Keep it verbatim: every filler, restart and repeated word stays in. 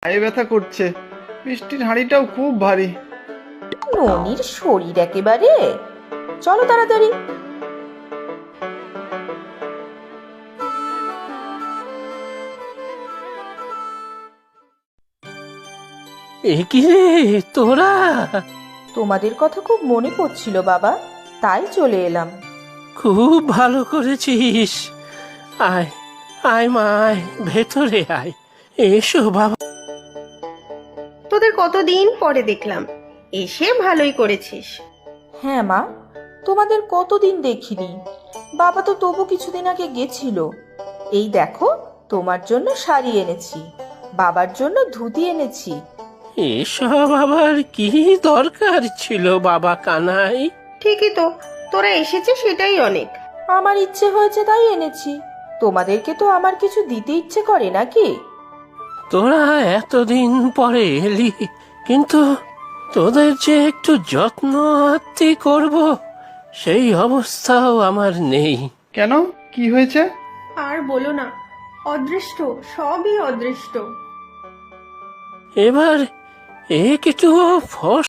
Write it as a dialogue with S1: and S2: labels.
S1: পায়ে ব্যথা করছে, মিষ্টির হাঁড়িটাও খুব ভারী।
S2: ননির শরীর একেবারে। চলো তাড়াতাড়ি।
S3: এ কি রে তোরা?
S2: তোমাদের কথা খুব মনে পড়ছিল বাবা, তাই চলে এলাম।
S3: খুব ভালো করেছিস। আয় আয় মা, আয় ভেতরে আয়। এসো বাবা।
S4: তোদের কতদিন পরে দেখলাম, এসে ভালোই করেছিস।
S2: হ্যাঁ মা, তোমাদের কতদিন দেখিনি। বাবা তো তবু কিছুদিন আগে গেছিল। এই দেখো, তোমার জন্য শাড়ি এনেছি, বাবার জন্য ধুতি এনেছি।
S3: এসব আবার কি দরকার ছিল বাবা কানাই?
S4: ঠিকই তো, তোরা এসেছে সেটাই অনেক।
S2: আমার ইচ্ছে হয়েছে তাই এনেছি। তোমাদেরকে তো আমার কিছু দিতে ইচ্ছে করে নাকি?
S3: তোরা এতদিন পরে এলি, কিন্তু তোদের যে একটু যত্ন আত্তি করব সেই অবস্থাও আমার নেই।
S1: কেন, কি হয়েছে?
S4: আর বলো না, অদৃষ্ট, সবই অদৃষ্ট।
S3: এবার একটু ফস